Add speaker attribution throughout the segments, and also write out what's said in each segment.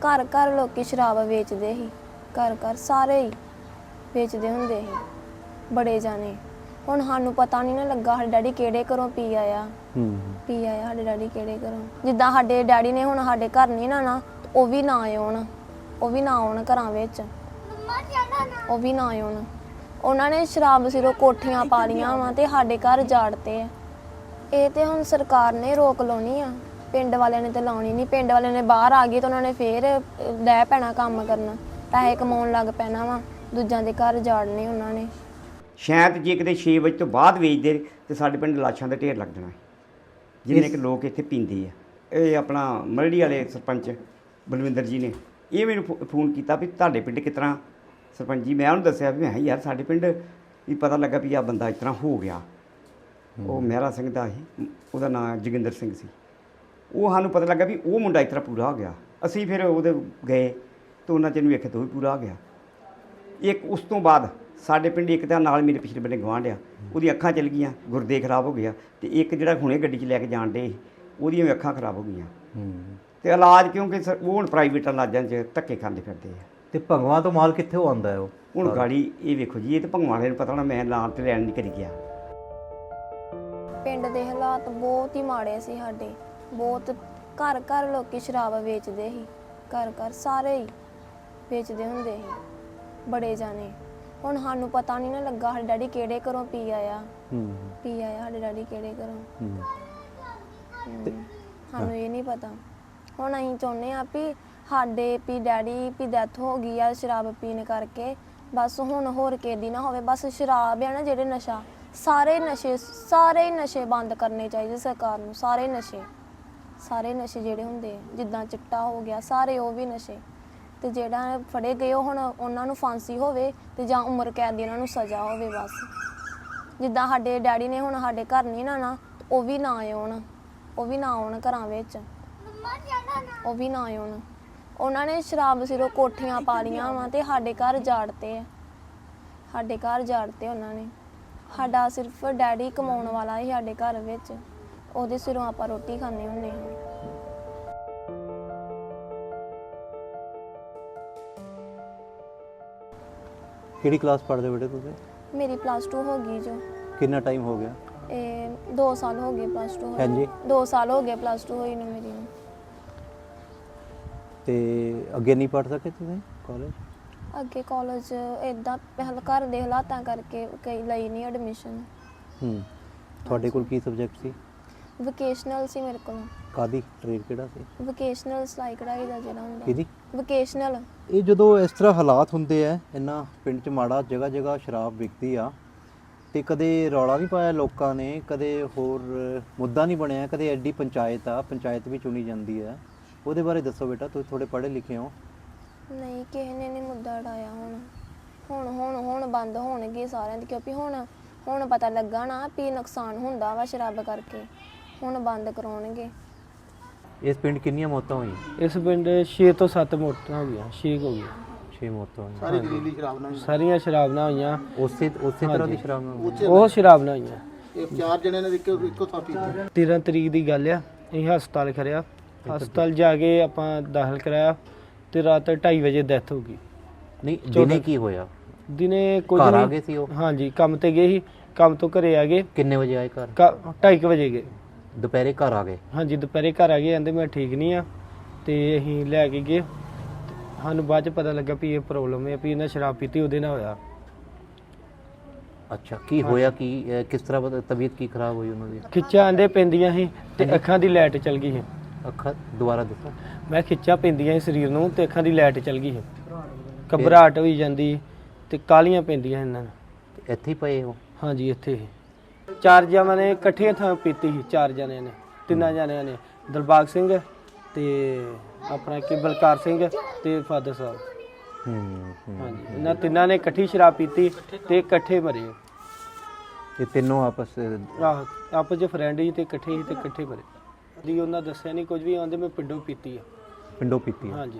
Speaker 1: घर घर लोग शराब वेचते ही, घर घर सारे ही वेचते होंगे ही, बड़े जाने। हुण सानू पता नहीं ना लगा साडे डैडी किहड़े घरों पी आया साडे डैडी किहड़े घरों। जिद्दां साडे डैडी ने हुण साडे घर नहीं ना ਉਹ ਵੀ ਨਾ ਆਉਣ ਘਰਾਂ ਵਿੱਚ, ਉਹ ਵੀ ਨਾ ਆਉਣ। ਉਹਨਾਂ ਨੇ ਸ਼ਰਾਬ ਸਿਰੋਂ ਕੋਠੀਆਂ ਪਾ ਲੀਆਂ ਵਾ ਤੇ ਸਾਡੇ ਘਰ ਜਾੜਤੇ ਆ। ਇਹ ਤੇ ਹੁਣ ਸਰਕਾਰ ਨੇ ਰੋਕ ਲਾਉਣੀ ਆ, ਪਿੰਡ ਵਾਲਿਆਂ ਨੇ ਤੇ ਲਾਉਣੀ ਨਹੀਂ। ਪਿੰਡ ਵਾਲਿਆਂ ਨੇ ਬਾਹਰ ਆ ਗਏ ਤਾਂ ਉਹਨਾਂ ਨੇ ਫੇਰ ਲੈ ਪੈਣਾ ਕੰਮ ਕਰਨਾ, ਪੈਸੇ ਕਮਾਉਣ ਲੱਗ ਪੈਣਾ ਵਾ, ਦੂਜਿਆਂ ਦੇ ਘਰ ਜਾੜਨੇ ਉਹਨਾਂ ਨੇ।
Speaker 2: ਸ਼ਾਇਦ ਜੇ ਕਿਤੇ 6 ਵਜੇ ਤੋਂ ਬਾਅਦ ਵੇਚਦੇ ਤੇ ਸਾਡੇ ਪਿੰਡ ਲਾਸ਼ਾਂ ਦਾ ਢੇਰ ਲੱਗ ਜਾਣਾ, ਜਿੰਨੇ ਕਿ ਲੋਕ ਇੱਥੇ ਪੀਂਦੇ ਆ। ਇਹ ਆਪਣਾ ਮਰੜੀ ਵਾਲੇ ਸਰਪੰਚ ਬਲਵਿੰਦਰ ਜੀ ਨੇ ਇਹ ਮੈਨੂੰ ਫੋਨ ਕੀਤਾ ਵੀ ਤੁਹਾਡੇ ਪਿੰਡ ਕਿਸ ਤਰ੍ਹਾਂ ਸਰਪੰਚ ਜੀ। ਮੈਂ ਉਹਨੂੰ ਦੱਸਿਆ ਵੀ ਮੈਂ ਯਾਰ ਸਾਡੇ ਪਿੰਡ ਵੀ ਪਤਾ ਲੱਗਾ ਵੀ ਆ ਬੰਦਾ ਇਸ ਤਰ੍ਹਾਂ ਹੋ ਗਿਆ। ਉਹ ਮਹਿਰਾ ਸਿੰਘ ਦਾ ਸੀ, ਉਹਦਾ ਨਾਂ ਜੋਗਿੰਦਰ ਸਿੰਘ ਸੀ। ਉਹ ਸਾਨੂੰ ਪਤਾ ਲੱਗਾ ਵੀ ਉਹ ਮੁੰਡਾ ਇਸ ਤਰ੍ਹਾਂ ਪੂਰਾ ਹੋ ਗਿਆ। ਅਸੀਂ ਫਿਰ ਉਹਦੇ ਗਏ ਤਾਂ ਉਹਨਾਂ 'ਚ ਇਹਨੂੰ ਵੇਖੇ ਤਾਂ ਉਹ ਵੀ ਪੂਰਾ ਹੋ ਗਿਆ। ਇੱਕ ਉਸ ਤੋਂ ਬਾਅਦ ਸਾਡੇ ਪਿੰਡ ਇੱਕ ਤਾਂ ਨਾਲ ਮੇਰੇ ਪਿਛਲੇ ਬੰਨੇ ਗੁਆਂਢ ਆ, ਉਹਦੀ ਅੱਖਾਂ ਚਲ ਗਈਆਂ, ਗੁਰਦੇ ਖਰਾਬ ਹੋ ਗਿਆ। ਤੇ ਇੱਕ ਜਿਹੜਾ ਹੁਣੇ ਗੱਡੀ 'ਚ ਲੈ ਕੇ ਜਾਣ ਡੇ ਉਹਦੀਆਂ ਵੀ ਅੱਖਾਂ ਖਰਾਬ ਹੋ ਗਈਆਂ। ਤੇ ਇਲਾਜ ਕਿਉਂਕਿ ਉਹ ਹੁਣ ਪ੍ਰਾਈਵੇਟ ਇਲਾਜਾਂ 'ਚ ਧੱਕੇ ਖਾਂਦੇ ਫਿਰਦੇ ਆ।
Speaker 3: ਤੇ ਭੰਗਵਾਂ ਤੋਂ ਮਾਲ ਕਿੱਥੇ ਆਉਂਦਾ ਹੈ ਉਹ
Speaker 2: ਹੁਣ ਗਾੜੀ ਇਹ ਵੇਖੋ ਜੀ, ਇਹ ਤਾਂ ਭੰਗਵਾਂ ਵਾਲੇ ਨੂੰ ਪਤਾ ਹੋਣਾ, ਮੈਂ ਨਾਂ ਤੇ ਲੈਣ ਨਹੀਂ ਕਰੀ ਗਿਆ।
Speaker 1: ਪਿੰਡ ਦੇ ਹਾਲਾਤ ਬਹੁਤ ਹੀ ਮਾੜੇ ਸੀ ਸਾਡੇ, ਬਹੁਤ। ਘਰ ਘਰ ਲੋਕੀ ਸ਼ਰਾਬ ਵੇਚਦੇ ਸੀ, ਘਰ ਘਰ ਸਾਰੇ ਹੀ ਵੇਚਦੇ ਹੁੰਦੇ ਸੀ, ਬੜੇ ਜਾਣੇ। ਹੁਣ ਸਾਨੂੰ ਪਤਾ ਨਹੀਂ ਨਾ ਲੱਗਾ ਸਾਡੇ ਡੈਡੀ ਕਿਹੜੇ ਘਰੋਂ ਪੀ ਆਇਆ ਸਾਡੇ ਡੈਡੀ ਕਿਹੜੇ ਘਰੋਂ, ਸਾਨੂੰ ਇਹ ਨਹੀਂ ਪਤਾ। ਹੁਣ ਅਸੀਂ ਚਾਹੁੰਦੇ ਹਾਂ ਵੀ ਸਾਡੇ ਵੀ ਡੈਡੀ ਵੀ ਡੈਥ ਹੋ ਗਈ ਆ ਸ਼ਰਾਬ ਪੀਣ ਕਰਕੇ, ਬਸ ਹੁਣ ਹੋਰ ਕਿਸੇ ਦੀ ਨਾ ਹੋਵੇ। ਬਸ ਸ਼ਰਾਬ ਆ ਨਾ ਜਿਹੜੇ ਨਸ਼ਾ, ਸਾਰੇ ਹੀ ਨਸ਼ੇ ਬੰਦ ਕਰਨੇ ਚਾਹੀਦੇ ਸਰਕਾਰ ਨੂੰ। ਸਾਰੇ ਨਸ਼ੇ ਜਿਹੜੇ ਹੁੰਦੇ ਆ, ਜਿੱਦਾਂ ਚਿੱਟਾ ਹੋ ਗਿਆ, ਸਾਰੇ ਉਹ ਵੀ ਨਸ਼ੇ। ਤੇ ਜਿਹੜਾ ਫੜੇ ਗਏ ਉਹ ਹੁਣ ਉਹਨਾਂ ਨੂੰ ਫਾਂਸੀ ਹੋਵੇ ਤੇ ਜਾਂ ਉਮਰ ਕੈਦ ਦੀ ਉਹਨਾਂ ਨੂੰ ਸਜ਼ਾ ਹੋਵੇ ਬਸ। ਜਿੱਦਾਂ ਸਾਡੇ ਡੈਡੀ ਨੇ ਹੁਣ ਸਾਡੇ ਘਰ ਨਹੀਂ ਨਾ ਉਹ ਵੀ ਨਾ ਆਉਣ ਘਰਾਂ ਵਿੱਚ, ਉਹ ਵੀ ਨਾ ਆਉਣ। ਉਹਨਾਂ ਨੇ ਸ਼ਰਾਬ ਸਿਰੋਂ ਕੋਠੀਆਂ ਪਾ ਲੀਆਂ ਵਾ ਤੇ ਸਾਡੇ ਘਰ ਜਾੜਤੇ ਉਹਨਾਂ ਨੇ। ਸਾਡਾ ਸਿਰਫ ਡੈਡੀ ਕਮਾਉਣ ਵਾਲਾ ਹੀ ਸਾਡੇ ਘਰ ਵਿੱਚ, ਉਹਦੇ ਸਿਰੋਂ ਆਪਾਂ ਰੋਟੀ ਖਾਂਦੇ ਹੁੰਦੇ ਹਾਂ।
Speaker 3: ਕਿਹੜੀ ਕਲਾਸ ਪੜ੍ਹਦੇ ਬੇਟੇ ਤੁਸੀਂ?
Speaker 1: ਮੇਰੀ +2 ਹੋ ਗਈ ਜੋ।
Speaker 3: ਕਿੰਨਾ ਟਾਈਮ ਹੋ ਗਿਆ?
Speaker 1: ਇਹ 2 ਸਾਲ ਹੋ ਗਏ +2 ਹੋਈ।
Speaker 3: ਹਾਂਜੀ
Speaker 1: 2 ਸਾਲ ਹੋ ਗਏ +2 ਹੋਈ ਨੂੰ ਮੇਰੀ ਨੂੰ।
Speaker 3: ਤੇ ਅੱਗੇ ਨਹੀਂ ਪੜ੍ਹ ਸਕੇ ਤੁਸੀਂ ਕਾਲਜ?
Speaker 1: ਅੱਗੇ ਕਾਲਜ ਇਦਾਂ ਘਰ ਦੇ ਹਾਲਾਤਾਂ ਕਰਕੇ ਕਈ ਲਈ ਨਹੀਂ ਐਡਮਿਸ਼ਨ।
Speaker 3: ਤੁਹਾਡੇ ਕੋਲ ਕੀ ਸਬਜੈਕਟ ਸੀ?
Speaker 1: ਵੋਕੇਸ਼ਨਲ ਸੀ ਮੇਰੇ ਕੋਲ।
Speaker 3: ਕਾਦੀ ਟ੍ਰੇਡ ਕਿਹੜਾ ਸੀ?
Speaker 1: ਵੋਕੇਸ਼ਨਲ ਸਿਲਾਈ ਕਢਾਈ ਦਾ ਜਿਹੜਾ ਹੁੰਦਾ।
Speaker 3: ਕਿਹਦੀ?
Speaker 1: ਵੋਕੇਸ਼ਨਲ।
Speaker 3: ਇਹ ਜਦੋਂ ਇਸ ਤਰ੍ਹਾਂ ਹਾਲਾਤ ਹੁੰਦੇ ਆ ਇੰਨਾ ਪਿੰਡ 'ਚ ਮਾੜਾ, ਜਗ੍ਹਾ ਜਗ੍ਹਾ ਸ਼ਰਾਬ ਵਿਕਦੀ ਆ, ਤੇ ਕਦੇ ਰੌਲਾ ਨਹੀਂ ਪਾਇਆ ਲੋਕਾਂ ਨੇ, ਕਦੇ ਹੋਰ ਮੁੱਦਾ ਨਹੀਂ ਬਣਿਆ, ਕਦੇ ਐਡੀ ਪੰਚਾਇਤ ਵੀ ਚੁਣੀ ਜਾਂਦੀ ਹੈ, ਉਹਦੇ ਬਾਰੇ ਦੱਸੋ ਬੇਟਾ, ਤੁਸੀਂ ਥੋੜੇ ਪੜ੍ਹੇ ਲਿਖੇ ਹੋ। ਨਹੀਂ, ਕਿਸੇ ਨੇ ਨਹੀਂ ਮੁੱਦਾ ਉਠਾਇਆ। ਹੁਣ ਬੰਦ ਹੋਣਗੇ ਸਾਰਿਆਂ ਦੇ, ਕਿਉਂਕਿ ਹੁਣ ਪਤਾ ਲੱਗਾ ਨਾ ਵੀ ਨੁਕਸਾਨ ਹੁੰਦਾ ਵਾ ਸ਼ਰਾਬ ਕਰਕੇ, ਹੁਣ ਬੰਦ ਕਰਾਉਣਗੇ। ਇਸ ਪਿੰਡ ਕਿੰਨੀਆਂ ਮੌਤਾਂ ਹੋਈਆਂ?
Speaker 4: ਇਸ ਪਿੰਡ 6 ਤੋਂ 7 ਮੌਤਾਂ ਹੋ ਗਈਆਂ, 6 ਹੋ ਗਈਆਂ। 6 ਮੌਤਾਂ ਹੋਈਆਂ। ਸਾਰੀਆਂ ਸ਼ਰਾਬ ਨਾਲ ਹੋਈਆਂ। ਉਸੇ
Speaker 3: ਤਰ੍ਹਾਂ ਦੀ ਸ਼ਰਾਬ ਨਾਲ?
Speaker 4: ਉਹ ਸ਼ਰਾਬ ਨਾਲ ਹੋਈਆਂ।
Speaker 5: ਇਹ 4 ਜਣੇ ਨੇ ਇੱਕੋ ਥਾਂ ਪੀਤੀ।
Speaker 4: 13 ਤਰੀਕ ਦੀ ਗੱਲ ਆ, ਅਸੀਂ ਹਸਪਤਾਲ ਖੜਿਆ, ਹਸਪਤਾਲ ਜਾ ਕੇ ਆਪਾਂ ਦਾਖਲ ਕਰਾਇਆ ਤੇ ਰਾਤ 2:30 ਵਜੇ ਡੈਥ ਹੋ ਗਈ।
Speaker 3: ਨਹੀਂ, ਦਿਨੇ ਕੀ ਹੋਇਆ?
Speaker 4: ਦਿਨੇ ਕੁਝ
Speaker 3: ਘਰ ਆ
Speaker 4: ਨਹੀਂ।
Speaker 3: ਗਏ ਸੀ ਉਹ?
Speaker 4: ਹਾਂਜੀ, ਕੰਮ ਤੇ ਗਏ ਸੀ, ਕੰਮ ਤੋਂ ਘਰੇ ਆ ਗਏ।
Speaker 3: ਕਿੰਨੇ ਵਜੇ ਆਏ ਘਰ?
Speaker 4: 2:30 ਵਜੇ ਗਏ।
Speaker 3: ਦੁਪਹਿਰੇ ਘਰ ਆ ਗਏ?
Speaker 4: ਹਾਂਜੀ, ਦੁਪਹਿਰੇ ਘਰ ਆ ਗਏ, ਕਹਿੰਦੇ ਮੈਂ ਠੀਕ ਨਹੀਂ ਆ, ਤੇ ਅਸੀਂ ਲੈ ਕੇ ਗਏ। ਸਾਨੂੰ ਬਾਅਦ ਚ ਪਤਾ ਲੱਗਾ ਵੀ ਇਹ ਪ੍ਰੋਬਲਮ ਹੈ, ਵੀ ਇਹਨਾਂ ਸ਼ਰਾਬ ਪੀਤੀ, ਉਹਦੇ ਨਾਲ ਹੋਇਆ।
Speaker 3: ਅੱਛਾ, ਕੀ ਹੋਇਆ? ਕੀ ਕਿਸ ਤਰ੍ਹਾਂ ਤਬੀਅਤ ਕੀ ਖਰਾਬ ਹੋਈ ਉਹਨਾਂ ਦੀ?
Speaker 4: ਖਿੱਚਾਂ ਆਂਦੇ ਪੈਂਦੀਆਂ ਸੀ ਤੇ ਅੱਖਾਂ ਦੀ ਲਾਈਟ ਚਲ ਗਈ ਸੀ।
Speaker 3: ਅੱਖਾਂ ਦੁਬਾਰਾ ਦੱਸੋ।
Speaker 4: ਮੈਂ ਖਿੱਚਾਂ ਪੈਂਦੀਆਂ ਸੀ ਸਰੀਰ ਨੂੰ ਤੇ ਅੱਖਾਂ ਦੀ ਲਾਈਟ ਚਲ ਗਈ ਸੀ, ਘਬਰਾਹਟ ਹੋਈ ਜਾਂਦੀ ਤੇ ਕਾਲੀਆਂ ਪੈਂਦੀਆਂ ਇਹਨਾਂ ਨੂੰ।
Speaker 3: ਇੱਥੇ ਹੀ ਪਏ ਹੋ?
Speaker 4: ਹਾਂਜੀ, ਇੱਥੇ ਹੀ 4 ਜਣਿਆਂ ਨੇ ਇਕੱਠੇ ਥਾਂ ਪੀਤੀ ਸੀ, 4 ਜਣਿਆਂ ਨੇ, 3 ਜਣਿਆਂ ਨੇ, ਦਿਲਬਾਗ ਸਿੰਘ ਤੇ ਆਪਣਾ ਕਿ ਬਲਕਾਰ ਸਿੰਘ ਤੇ ਫਾਦਰ ਸਾਹਿਬ। ਹਾਂਜੀ, ਇਹਨਾਂ ਤਿੰਨਾਂ ਨੇ ਇਕੱਠੀ ਸ਼ਰਾਬ ਪੀਤੀ ਤੇ ਇਕੱਠੇ ਮਰੇ।
Speaker 3: ਇਹ ਤਿੰਨੋਂ ਆਪਸ
Speaker 4: ਚ ਫਰੈਂਡ ਸੀ ਤੇ ਇਕੱਠੇ ਸੀ ਤੇ ਇਕੱਠੇ ਮਰੇ ਜੀ। ਉਹਨਾਂ ਦੱਸਿਆ ਨਹੀਂ ਕੁਝ ਵੀ, ਆਉਂਦੇ ਮੈਂ ਪਿੰਡੋਂ ਪੀਤੀ ਆ।
Speaker 3: ਪਿੰਡੋਂ ਪੀਤੀ?
Speaker 4: ਹਾਂਜੀ।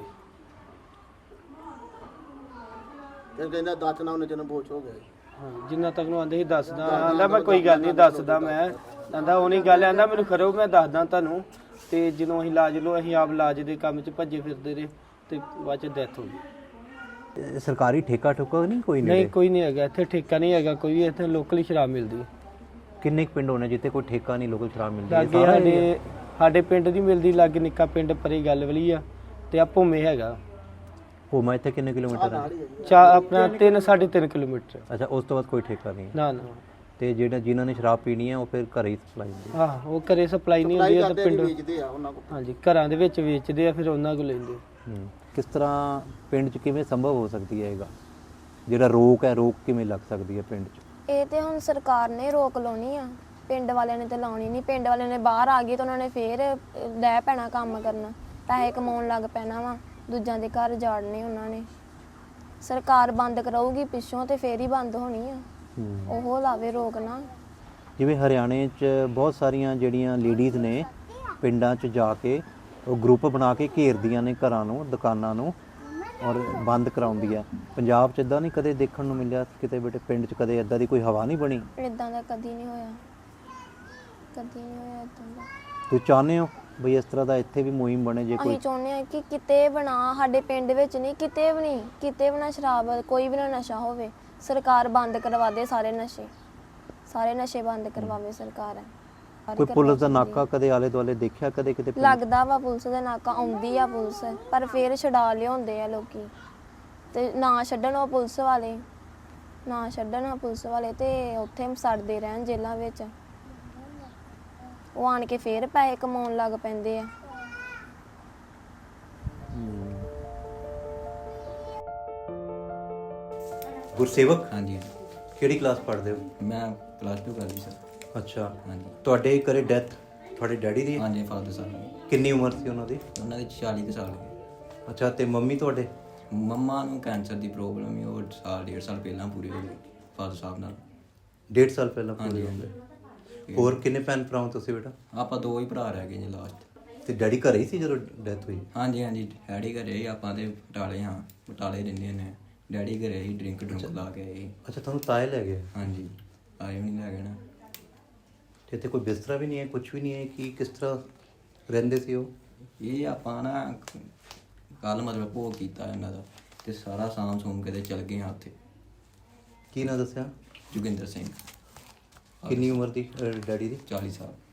Speaker 5: ਇਹ ਕਹਿੰਦਾ ਦੱਸ ਨਾ ਉਹਨੇ ਜਨਮ ਬੋਝ ਹੋ ਗਿਆ।
Speaker 4: ਹਾਂ, ਜਿੰਨਾ ਤੱਕ ਨੂੰ ਆਂਦੇ ਸੀ ਦੱਸਦਾ, ਆਂਦਾ ਮੈਂ ਕੋਈ ਗੱਲ ਨਹੀਂ ਦੱਸਦਾ, ਮੈਂ ਆਂਦਾ ਉਹ ਨਹੀਂ ਗੱਲ, ਆਂਦਾ ਮੈਨੂੰ ਕਰੋ ਮੈਂ ਦੱਸਦਾ ਤੁਹਾਨੂੰ। ਤੇ ਜਦੋਂ ਅਸੀਂ ਇਲਾਜ ਲੋ, ਅਸੀਂ ਆਪ ਇਲਾਜ ਦੇ ਕੰਮ 'ਚ ਭੱਜੇ ਫਿਰਦੇ ਰਹੇ, ਤੇ ਬਾਅਦ ਚ ਡੈਥ ਹੋ ਗਈ।
Speaker 3: ਇਹ ਸਰਕਾਰੀ ਠੇਕਾ ਠੁਕਾ ਨਹੀਂ ਕੋਈ
Speaker 4: ਨਹੀਂ
Speaker 3: ਨੇੜੇ?
Speaker 4: ਕੋਈ ਨਹੀਂ ਹੈਗਾ ਇੱਥੇ, ਠੇਕਾ ਨਹੀਂ ਹੈਗਾ ਕੋਈ ਵੀ, ਇੱਥੇ ਲੋਕਲ ਹੀ ਸ਼ਰਾਬ ਮਿਲਦੀ ਹੈ।
Speaker 3: ਕਿੰਨੇ ਕੁ ਪਿੰਡ ਹੋਣੇ ਜਿੱਥੇ ਕੋਈ ਠੇਕਾ ਨਹੀਂ, ਲੋਕਲ ਸ਼ਰਾਬ ਮਿਲਦੀ ਹੈ?
Speaker 4: ਲਾਗੇ
Speaker 3: ਸਾਰਾ area?
Speaker 4: ਸਾਡੇ ਪਿੰਡ ਦੀ ਮਿਲਦੀ, ਲਾਗੇ ਨਿੱਕਾ ਪਿੰਡ ਪਰੇ ਗੱਲ ਵਾਲੀ ਆ, ਤੇ ਆ ਭੂਮੇ ਹੈਗਾ
Speaker 3: ਭੂਮਾ ਇੱਥੇ ਕਿੰਨੇ ਕਿਲੋਮੀਟਰ ਹੈ?
Speaker 4: ਆਪਣਾ 3-3.5 ਕਿਲੋਮੀਟਰ।
Speaker 3: ਅੱਛਾ, ਉਸ ਤੋਂ ਬਾਅਦ ਕੋਈ ਠੇਕਾ ਨਹੀਂ ਹੈ।
Speaker 4: ਨਾ ਨਾ
Speaker 3: ਤੇ ਜਿਹੜਾ ਜਿਨ੍ਹਾਂ ਨੇ ਸ਼ਰਾਬ ਪੀਣੀ ਹੈ ਉਹ ਫਿਰ ਘਰੇ ਹੀ ਸਪਲਾਈ ਹੁੰਦੀ ਹੈ।
Speaker 4: ਉਹ ਘਰੇ ਸਪਲਾਈ ਨਹੀਂ ਹੁੰਦੀ, ਤੇ ਪਿੰਡ
Speaker 5: ਵੇਚਦੇ ਆ ਉਹਨਾਂ ਕੋਲ।
Speaker 4: ਹਾਂਜੀ ਘਰਾਂ ਦੇ ਵਿੱਚ ਵੇਚਦੇ ਆ, ਫਿਰ ਉਹਨਾਂ ਕੋਲ ਲੈਂਦੇ।
Speaker 3: ਕਿਸ ਤਰ੍ਹਾਂ ਪਿੰਡ 'ਚ ਕਿਵੇਂ ਸੰਭਵ ਹੋ ਸਕਦੀ ਹੈ ਇਹਗਾ ਜਿਹੜਾ ਰੋਕ ਹੈ, ਰੋਕ ਕਿਵੇਂ ਲੱਗ ਸਕਦੀ ਹੈ ਪਿੰਡ 'ਚ?
Speaker 1: ਇਹ ਤੇ ਹੁਣ ਸਰਕਾਰ ਨੇ ਰੋਕ ਲਾਉਣੀ ਆ, ਪਿੰਡ ਵਾਲਿਆਂ ਨੇ ਤੇ ਲਾਉਣੀ ਨਹੀਂ। ਪਿੰਡ ਵਾਲਿਆਂ ਨੇ ਬਾਹਰ ਆ ਗਏ ਤਾਂ ਉਹਨਾਂ ਨੇ ਫੇਰ ਲੈ ਪੈਣਾ ਕੰਮ ਕਰਨਾ, ਪੈਸੇ ਕਮਾਉਣ ਲੱਗ ਪੈਣਾ ਵਾ, ਦੂਜਿਆਂ ਦੇ ਘਰ ਜਾੜਨੇ ਉਹਨਾਂ ਨੇ। ਸਰਕਾਰ ਬੰਦ ਕਰਾਊਗੀ ਪਿੱਛੋਂ ਤੇ ਫੇਰ ਹੀ ਬੰਦ ਹੋਣੀ ਆ, ਉਹ ਲਾਵੇ ਰੋਕ ਨਾ।
Speaker 3: ਜਿਵੇਂ ਹਰਿਆਣੇ 'ਚ ਬਹੁਤ ਸਾਰੀਆਂ ਜਿਹੜੀਆਂ ਲੇਡੀਜ਼ ਨੇ ਪਿੰਡਾਂ 'ਚ ਜਾ ਕੇ ਉਹ ਗਰੁੱਪ ਬਣਾ ਕੇ ਘੇਰਦੀਆਂ ਨੇ ਘਰਾਂ ਨੂੰ, ਦੁਕਾਨਾਂ ਨੂੰ, ਔਰ ਬੰਦ ਕਰਾਉਂਦੀ ਆ। ਪੰਜਾਬ 'ਚ ਇਦਾਂ ਨਹੀਂ ਕਦੇ ਦੇਖਣ ਨੂੰ ਮਿਲਿਆ ਕਿਤੇ ਬੇਟੇ? ਪਿੰਡ 'ਚ ਕਦੇ ਇਦਾਂ ਦੀ ਕੋਈ ਹਵਾ ਨਹੀਂ ਬਣੀ?
Speaker 1: ਇਦਾਂ ਦਾ ਕਦੀ ਨਹੀਂ ਹੋਇਆ, ਕਦੀ ਨਹੀਂ ਹੋਇਆ ਇਦਾਂ ਦਾ।
Speaker 3: ਤੁਸੀਂ ਚਾਹੁੰਦੇ ਹੋ ਬਈ ਇਸ ਤਰ੍ਹਾਂ ਦਾ ਇੱਥੇ ਵੀ ਮੁਹਿੰਮ ਬਣੇ? ਜੇ ਕੋਈ
Speaker 1: ਅਸੀਂ ਚਾਹੁੰਦੇ ਹਾਂ ਕਿ ਕਿਤੇ ਬਣਾ, ਸਾਡੇ ਪਿੰਡ ਵਿੱਚ ਨਹੀਂ, ਕਿਤੇ ਵੀ ਨਹੀਂ, ਕਿਤੇ ਵੀ ਨਾ ਸ਼ਰਾਬ, ਕੋਈ ਵੀ ਨਾ ਨਸ਼ਾ ਹੋਵੇ। ਸਰਕਾਰ ਬੰਦ ਕਰਵਾ ਦੇ ਸਾਰੇ ਨਸ਼ੇ, ਸਾਰੇ ਨਸ਼ੇ ਬੰਦ ਕਰਵਾਵੇ ਸਰਕਾਰ।
Speaker 3: ਕੋਈ ਪੁਲਿਸ ਦਾ ਨਾਕਾ ਕਦੇ ਆਲੇ ਦੁਆਲੇ ਦੇਖਿਆ ਕਦੇ ਕਿਤੇ?
Speaker 1: ਲੱਗਦਾ ਵਾ ਪੁਲਿਸ ਦਾ ਨਾਕਾ, ਆਉਂਦੀ ਆ ਪੁਲਿਸ, ਪਰ ਫੇਰ ਛਡਾ ਲਿਆਉਂਦੇ ਆ ਲੋਕੀ, ਤੇ ਨਾ ਛੱਡਣ ਉਹ ਪੁਲਿਸ ਵਾਲੇ, ਨਾ ਛੱਡਣ ਉਹ ਪੁਲਿਸ ਵਾਲੇ, ਤੇ ਉੱਥੇ ਸੜਦੇ ਰਹਿਣ ਜੇਲ੍ਹਾਂ ਵਿੱਚ। ਉਹ ਆਣ ਕੇ ਫੇਰ ਪੈਸੇ ਕਮਾਉਣ ਲੱਗ ਪੈਂਦੇ ਆ।
Speaker 3: ਗੁਰਸੇਵਕ,
Speaker 6: ਹਾਂਜੀ
Speaker 3: ਕਿਹੜੀ ਕਲਾਸ ਪੜ੍ਹਦੇ ਹੋ?
Speaker 6: ਮੈਂ ਪਲੱਸ 2 ਕਰ ਲਈ ਸਰ।
Speaker 3: ਅੱਛਾ,
Speaker 6: ਹਾਂਜੀ
Speaker 3: ਤੁਹਾਡੇ ਘਰੇ ਡੈਥ ਤੁਹਾਡੇ ਡੈਡੀ ਦੀ?
Speaker 6: ਹਾਂਜੀ ਫਾਦਰ ਸਾਹਿਬ
Speaker 3: ਕਿੰਨੀ ਉਮਰ ਸੀ ਉਹਨਾਂ ਦੀ?
Speaker 6: ਉਹਨਾਂ ਦੇ 40 ਕੁ ਸਾਲ ਗਏ।
Speaker 3: ਅੱਛਾ, ਤੇ ਮੰਮੀ ਤੁਹਾਡੇ?
Speaker 6: ਮੰਮਾ ਨੂੰ ਕੈਂਸਰ ਦੀ ਪ੍ਰੋਬਲਮ ਹੀ, ਉਹ ਸਾਲ 1.5 ਸਾਲ ਪਹਿਲਾਂ ਪੂਰੇ ਹੋ ਗਏ ਫਾਦਰ ਸਾਹਿਬ ਨਾਲ।
Speaker 3: 1.5 ਸਾਲ ਪਹਿਲਾਂ ਪੂਰੇ
Speaker 6: ਹਾਂਜੀ,
Speaker 3: ਹੋ ਗਏ। ਹੋਰ ਕਿੰਨੇ ਭੈਣ ਭਰਾ ਹੋ ਤੁਸੀਂ ਬੇਟਾ?
Speaker 6: ਆਪਾਂ 2 ਹੀ ਭਰਾ ਰਹਿ ਗਏ ਜੀ ਲਾਸਟ।
Speaker 3: ਤੇ ਡੈਡੀ ਘਰੇ ਹੀ ਸੀ ਜਦੋਂ ਡੈਥ ਹੋਈ?
Speaker 6: ਹਾਂਜੀ ਹਾਂਜੀ ਡੈਡੀ ਘਰੇ ਹੀ, ਆਪਾਂ ਤੇ ਬਟਾਲੇ ਹਾਂ, ਬਟਾਲੇ ਰਹਿੰਦੇ ਨੇ। ਡੈਡੀ ਘਰੇ ਹੀ ਡਰਿੰਕ ਲਾ ਕੇ ਆਏ।
Speaker 3: ਅੱਛਾ, ਤੁਹਾਨੂੰ ਤਾਏ ਲੈ ਗਏ?
Speaker 6: ਹਾਂਜੀ ਆਏ ਵੀ ਨਹੀਂ ਲੈ ਗਏ ਨਾ।
Speaker 3: ਤੇ ਇੱਥੇ ਕੋਈ ਬਿਸਤਰਾ ਵੀ ਨਹੀਂ ਹੈ, ਕੁਝ ਵੀ ਨਹੀਂ ਹੈ? ਕਿ ਕਿਸ ਤਰ੍ਹਾਂ ਰਹਿੰਦੇ ਸੀ ਉਹ?
Speaker 6: ਇਹ ਆਪਾਂ ਨਾ ਕੱਲ ਮਤਲਬ ਭੋਗ ਕੀਤਾ ਇਹਨਾਂ ਦਾ, ਤੇ ਸਾਰਾ ਸਾਂਭ ਸੂਮ ਕੇ ਤੇ ਚਲ ਗਏ ਹਾਂ ਉੱਥੇ।
Speaker 3: ਕੀ ਨਾਂ ਦੱਸਿਆ?
Speaker 6: ਜੋਗਿੰਦਰ ਸਿੰਘ।
Speaker 3: ਕਿੰਨੀ ਉਮਰ ਦੀ ਡੈਡੀ ਦੀ?
Speaker 6: 40 ਸਾਲ।